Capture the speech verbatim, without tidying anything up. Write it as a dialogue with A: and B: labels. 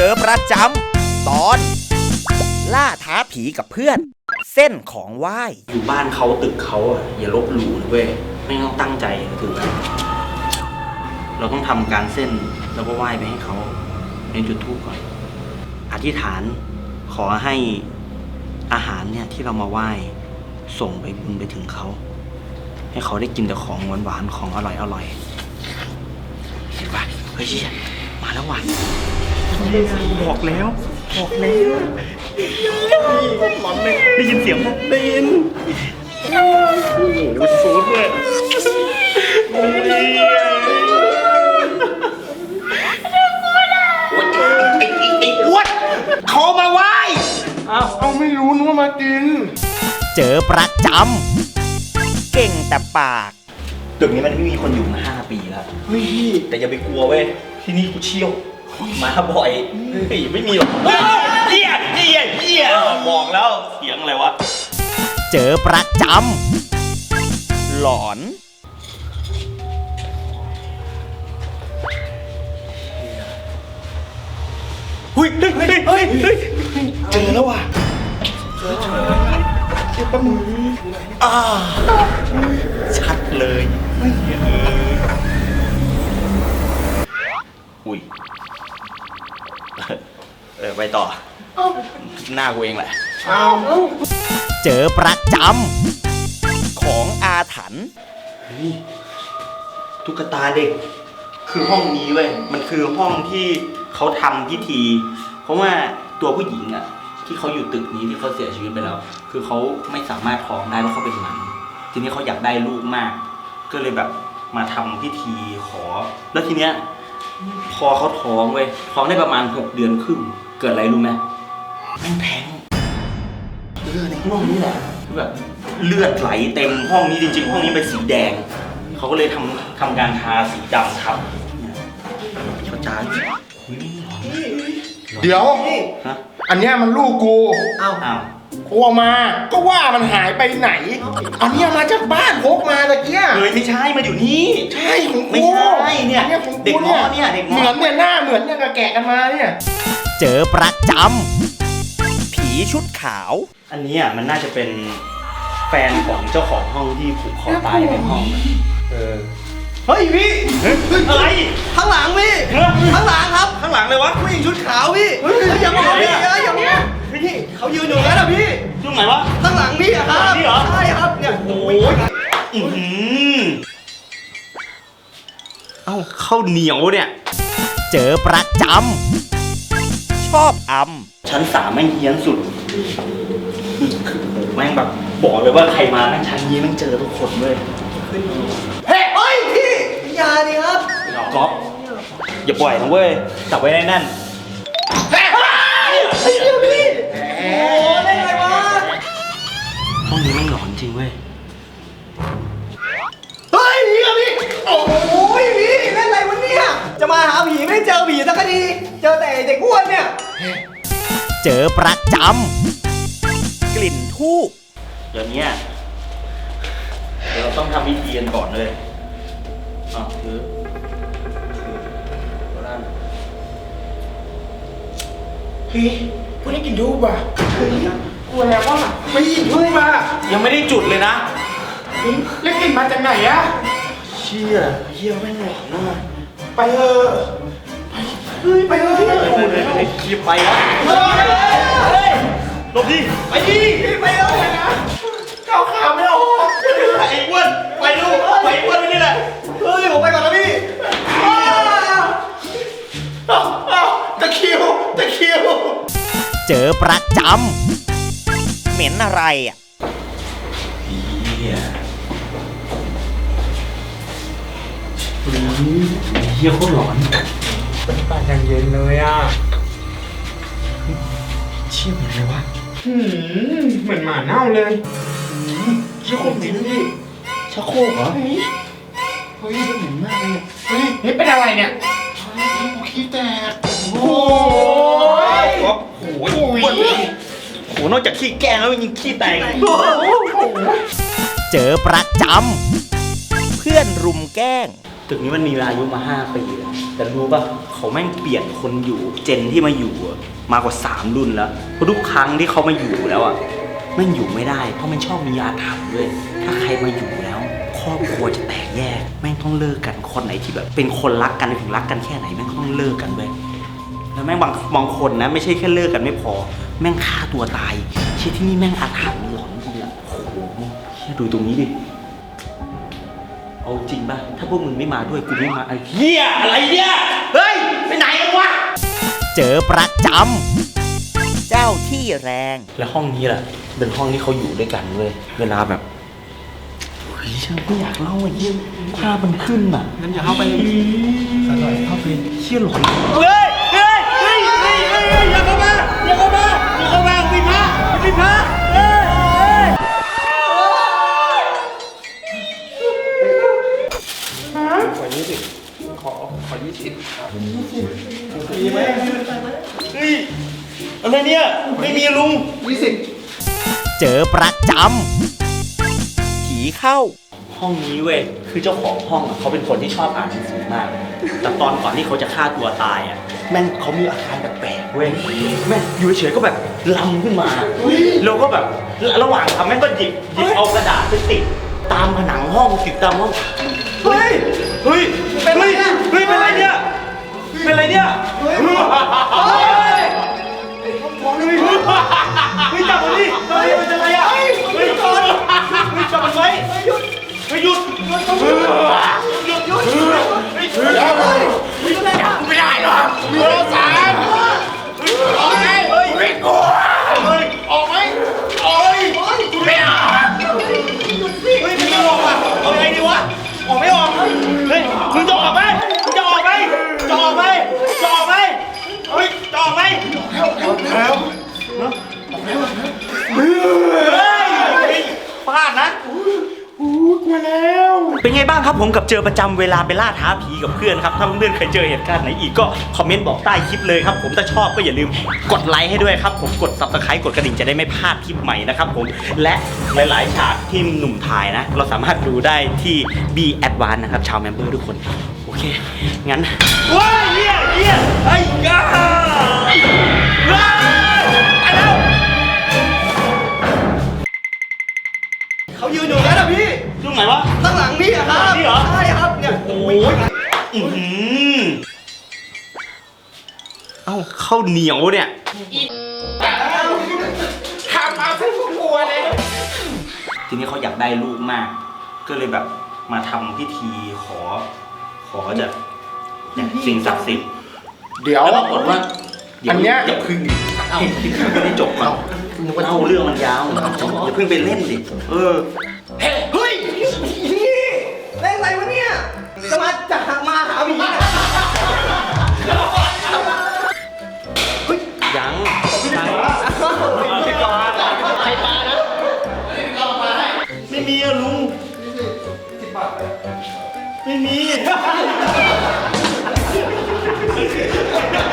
A: อประจำตอนล่าท้าผีกับเพื่อนเส้นของไหว้
B: อยู่บ้านเขาตึกเขาอ่ะอย่าลบหลู่เว้ยไม่ต้องตั้งใจถึงเราต้องทำการเส้นแล้วก็ไหว้ไปให้เขาในจุดธูปก่อนอธิษฐานขอให้อาหารเนี่ยที่เรามาไหว้ส่งไปบุญไปถึงเขาให้เขาได้กินแต่ของหวานๆของอร่อยอร่อยเห็นปะเฮ้ยมาแล้วว่ะบอกแล้วบอกแล้วหลอนเลยได้ยินเสียงไหมได้ยินโอ้โหสูดเลยไอ้ไอ้อ้วนเขามาไหว้อ้าวเอาไม่รู้นึกว่ามากิน
A: เจอประจำเก่งแต่ปาก
B: ตึกนี้มันไม่มีคนอยู่มาห้าปีแล้วเฮ้ยแต่อย่าไปกลัวเว้ยที่นี่กูเชี่ยวมาบ่อยเฮ้ยไม่มีหรอกเหี้ยเหี้ยเหี้ยบอกแล้วเสียงอะไรวะ
A: เจอประจำหลอน
B: เฮ้ยเฮ้ยเฮ้ยเฮ้ยเฮ้ยเจอแล้วว่ะเจอเจอปลาหมึกอ่าชัดเลยอุ้ยเออไปต่อหน้ากูเองแหละ
A: เจอประจำของอาถรรพ์
B: ตุ๊กตาเด็กคือห้องนี้เว้ยมันคือห้องที่เขาทำพิธีเพราะว่าตัวผู้หญิงอ่ะที่เขาอยู่ตึกนี้ที่เขาเสียชีวิตไปแล้วคือเขาไม่สามารถท้องได้เพราะเขาเป็นหมันทีนี้เขาอยากได้ลูกมากก็เลยแบบมาทำพิธีขอแล้วทีเนี้ยพอเขาท้องเว้ยท้องได้ประมาณหกเดือนครึ่งเกิดอะไรรู้ไหมแม่งแท้งเลือดในห้องนี้แหละคือแบบเลือดไหลเต็มห้องนี้จริงๆห้องนี้เป็นสีแดงเขาก็เลยทำทำการทาสีดำทับเนี่ยจ้า
C: เดี๋ยวอันเนี้ยมันลูกกู
B: อ้าวอ้าว
C: กูเอามาก็ว่ามันหายไปไหนอันเนี้ยมาจากบ้านพกมาตะเกีย
B: เฮ้ยไม่ใช่มาอยู่นี่
C: ใช่ของกู
B: ไม่ใช่เนี่ยเด็กน้อเนี่ยเด็กน้อ
C: เหมือนเนี่ยหน้าเหมือนยังกระแกะกันมาเนี่ย
A: เจอประจำผีชุดขาว
B: อันนี้อ่ะมันน่าจะเป็นแฟนของเจ้าของห้องที่ผูกคอตายในห้องเออเฮ้ยพี่อะไรข้างหลังพี่ข้างหลังครับข้างหลังเลยวะผู้หญิงชุดขาวพี่อย่าบอกพี่อย่าบอกพี่เขายืนอยู่แล้วนะพี่ตรงไหนวะข้างหลังพี่อะครับนี่เหรอใช่ครับเนี่ยโอ้ยอือเอ้าข้าวเหนียวเนี่ย
A: เจอประจำชอบอำ
B: ชั้นสามแม่งเฮี้ยนสุดแม่งแบบบอกเลยว่าใครมาชั้นนี้แม่งเจอทุกคนเลยเฮ้ยเฮ้ยพี่อย่าดิครับก๊อฟอย่าปล่อยนะเว้ยจับไว้แน่นเฮ้ยเฮ้ยพี่โอ้ได้ไงวะห้องนี้ไม่หลอนจริงเว้ยเฮ้ยพี่ครับพี่โอ้โหพี่เล่นอะไรวะเนี่ยจะมาหาผีไม่เจอผีสักทีเจอแต่เด็กอ้วนเนี่ย
A: เจอประจำกลิ่นทูบ
B: เดี๋ยวนี้เดี๋ยวเราต้องทำพิธีกันก่อนเลยอ่ะถือถือโบราณ
C: เฮ้ยกูได้กลิ่นทูบว่ะเฮ้ยกูแล้วว่าไม่กลิ่นทูบมา
B: ยังไม่ได้จุดเลยนะ
C: เฮ้ยแล้วกลิ่นมาจากไหนอะ
B: เชี่ยเฮียแม่งหลอนนะ
C: ไปเถอะเฮ้ยไปเถอะพี่
B: ขี่ไปวะเฮ้ยหลบดิไปดิไปเลยนะ
C: ก้าวขาไม่ออก
B: ไอ้อ้วนไปดูไปอ้วนไปนี่แหละเฮ้ยผมไปก่อนนะพี่
C: ตะคิวตะคิว
A: เจอประจำเหม็นอะไรอ่ะ
B: เฮียเฮียโคตรหลอน
C: เป็นปากอย่างเย็นเลยอ่ะ
B: เชี่ยเป็นอะไรวะ
C: หืมเหมือนหมาเน่าเลยเชี่ยโคตรเหม็นดิ
B: ชักโครกเหรอ
C: เฮ้ยเฮ้ยเหม็นมากเลยเฮ้ยนี่เป็นอะไรเนี่ยกูขี้แตก
B: โอ้ยโอ้โหโอ้โหนอกจากขี้แกงแล้วยังขี้แตก
A: เจอประจำเพื่อนรุมแกล้ง
B: ตึกนี้มันมีอายุมาห้าปีแล้วแต่รู้ป่ะเขาแม่งเปลี่ยนคนอยู่เจนที่มาอยู่อะมากว่าสามรุ่นแล้วเพราะทุกครั้งที่เขามาอยู่แล้วอ่ะแม่งอยู่ไม่ได้เพราะมันชอบมีอาถรรพ์ด้วยถ้าใครมาอยู่แล้วครอบครัวจะแตกแยกแม่งต้องเลิกกันคนไหนที่แบบเป็นคนรักกันถึงรักกันแค่ไหนแม่งก็ต้องเลิกกันด้วยแล้วแม่งบางบางคนนะไม่ใช่แค่เลิกกันไม่พอแม่งฆ่าตัวตายเชี่ยที่นี่แม่งอาถรรพ์หลอนจริงอะโอ้โหเชี่ยดูตรงนี้ดิเอาจริงป่ะถ้าพวกมึงไม่มาด้วยกูไม่มาไอ้เหี้ยอะไรเนี่ยเฮ้ยไปไหนกันวะ
A: เจอประจำเจ้าที่แรง
B: แล้วห้องนี้แหละเป็นห้องที่เขาอยู่ด้วยกันเว้ยเวลาแบบเฮ้ยฉันไม่อยากเล่าไอ้เหี้ยภาพมันขึ้นอ่ะ
C: งั้นอย่าเข้าไปอร่อยเข้าไป
B: เชี่ยหลอนเฮ้ยเฮ้ยเฮ้ยเฮ้ยเฮ้ยอย่าเข้ามาอย่าเข้ามาอย่าเข้ามาปิดพระปิดพระเฮ้ยเฮ้ย
C: ขอยี่สิบขอขอยี่สิบ
B: มีไหมเฮ้ยอะไรเนี่ยไม่มีลุง
C: ยี่สิบ
A: เจอประจำผีเข้า
B: ห้องนี้เว้ยคือเจ้าของห้องอะเขาเป็นคนที่ชอบอ่านหนังสือมาก แต่ตอนก่อนที่เขาจะฆ่าตัวตายอ่ะแม่งเขามีอาการแปลกๆเว้ยแม่งอยู่เฉยๆก็แบบลำขึ้นมาแล้วก็แบบระหว่างทำแม่งก็หยิบหยิบเอากระดาษไปติดตามผนังห้องติดตามห้องเฮ้ยเฮ้ยเป็นไรเนี่ยเฮ้ยเป็นไรเนี่ยเป็นไรเนี่ยเฮ้ยเฮ้ยเฮ้ยจับมันดิเฮ้ยมันจะอะไรอ่ะเฮ้ยเฮ้ยจับมันไว้หยุดเฮ้ยหยุดหยุดหยุดหยุดหยุดเฮ้ยจับไม่ได้หรอกมีโทรศัพท์ออกไหมเฮ้ยไม่กลัวเฮ้ยออกไหมออกเลยไม่ออกเฮ้ยไม่ออกอ่ะเอาไงดีวะออกไม่ออกเฮ้ยมึงจะออกไหมมึงจะออกไหมจะออกไหมจะออกไหมเฮ้ยจะออกไหมแล้วเฮ้ยพลาดนะกลัวแล้วเป็นไงบ้างครับผมกับเจอประจำเวลาไปล่าท้าผีกับเพื่อนครับถ้าเพื่อนเคยเจอเหตุการณ์ไหนอีกก็คอมเมนต์บอกใต้คลิปเลยครับผมถ้าชอบก็อย่าลืมกดไลค์ให้ด้วยครับผมกด ซับสไครบ์ กดกระดิ่งจะได้ไม่พลาดคลิปใหม่นะครับผมและหลายๆฉากที่หนุ่มถ่ายนะเราสามารถดูได้ที่ บี Advance นะครับชาวเมมเบอร์ทุกคนโอเคงั้นว้ายเฮียเฮียไอ้กาว้ายไปแล้วเขายืนอยู่แล้วนะพี่ตรงไหนวะข้างหลังนี่อะครับนี่เหรอใช่ครับเนี่ยโอ้ยอือเอ้าข้าวเหนียวเนี่ยทำเอาเส้นหัวเลยทีนี้เขาอยากได้ลูกมากก็เลยแบบมาทำพิธีขอขอจะเนี่ยสิ่งศักดิ์สิทธิ์
C: เดี๋ยว
B: แล้วปรากฏว่าเดี๋ยว
C: อันเนี้ย
B: อย่าพึ่งเอาไม่ได้จบก่อนเอาเรื่องมันยาวอย่าเพิ่งไปเล่นดิเออ
C: เฮ้ยเล่นอะไรวะเนี่ยจะมาจากมาหาผี
B: ยังยังใครปานะไม่มีอะลุงไม่มี